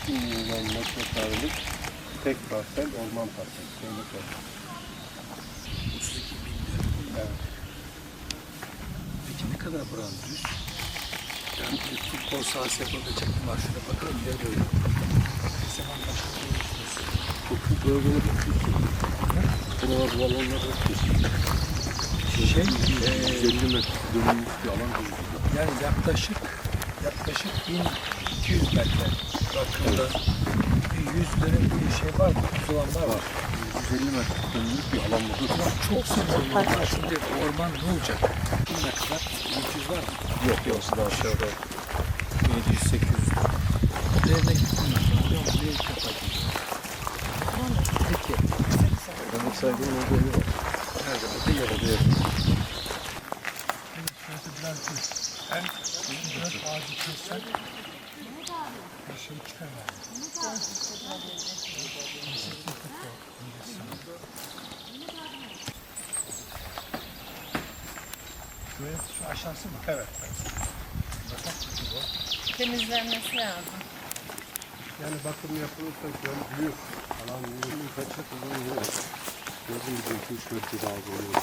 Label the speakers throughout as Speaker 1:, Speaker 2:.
Speaker 1: milyon metrekarelik tek parsel, orman parseli.
Speaker 2: 32 bin lira.
Speaker 1: Evet.
Speaker 2: Peki ne kadar buranın düz? Yani bir futbol sahası yapabilecek mi var? Şuna bakalım ya böyle. Ne zaman başlıyor?
Speaker 1: Bu bölgenin etkisi. Buralar balonlar etkisi. 150 metre dönümlük bir alan gözüküyor.
Speaker 2: Yani yaklaşık 1200 metre rakımda bir 100 dönüm bir şey var mı? Uzulanlar var.
Speaker 1: 150 metre dönümlük bir alan burada.
Speaker 2: Ulan çok sık orman. Şimdi orman ne olacak? 1000 metre 200 var mı?
Speaker 1: Yok, orası da aşağıda. 700-800.
Speaker 2: Üzerine gittim ben. Buraya ilk defa gidiyorum. Peki.
Speaker 1: Demek saygının olduğu yeri var.
Speaker 2: Nerede? Burada yer alıyor. Şurası biraz düz. Hem biraz ağacı kessen bir şey çıkar yani. Şuraya, şu aşağısı mı?
Speaker 1: Evet.
Speaker 3: Temizlenmesi lazım.
Speaker 1: Yani bakım yapılırsa göl büyük. Alan büyük. Kaçak uzun yeri var. Gördüğüm gibi 2-3 metre daha oluyor.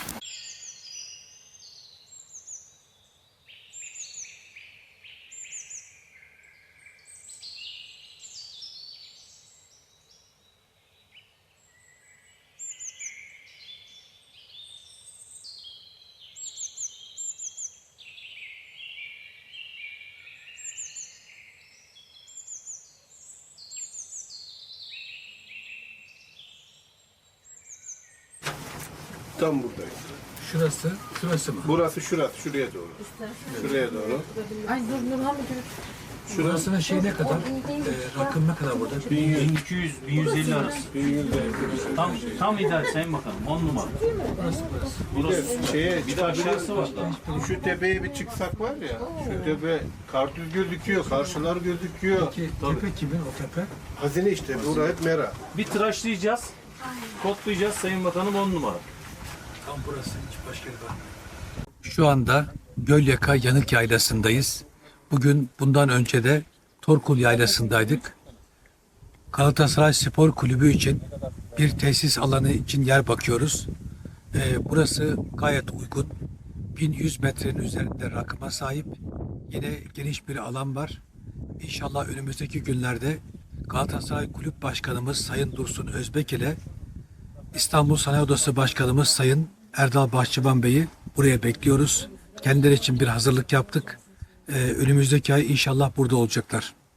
Speaker 1: Tam buradayız.
Speaker 2: Şurası mı?
Speaker 1: Burası şurası, şuraya doğru. Şuraya doğru.
Speaker 3: Ay dur Nurhan Müdür.
Speaker 2: Burasının şey ne kadar? Rakım ne kadar burada?
Speaker 4: 1200-1150 arası. Tam ideal Sayın Bakanım. 10 numara. Burası. Bir de aşağısı var.
Speaker 1: Şu tepeye bir çıksak var ya, şu tepe kartuz gözüküyor, karşılar gözüküyor.
Speaker 2: Peki tepe kimin o tepe?
Speaker 1: Hazine işte, burası hep mera.
Speaker 4: Bir tıraşlayacağız. Kodlayacağız Sayın Bakanım 10 numara.
Speaker 2: Tam burası, hiç başka yere bakmıyorum. Şu anda Gölyaka Yanık Yaylası'ndayız. Bugün bundan önce de Torkul Yaylası'ndaydık. Galatasaray Spor Kulübü için bir tesis alanı için yer bakıyoruz. Burası gayet uygun. 1100 metrenin üzerinde rakıma sahip. Yine geniş bir alan var. İnşallah önümüzdeki günlerde Galatasaray Kulüp Başkanımız Sayın Dursun Özbek ile İstanbul Sanayi Odası Başkanımız Sayın Erdal Bahçıvan Bey'i buraya bekliyoruz. Kendileri için bir hazırlık yaptık. Önümüzdeki ay inşallah burada olacaklar.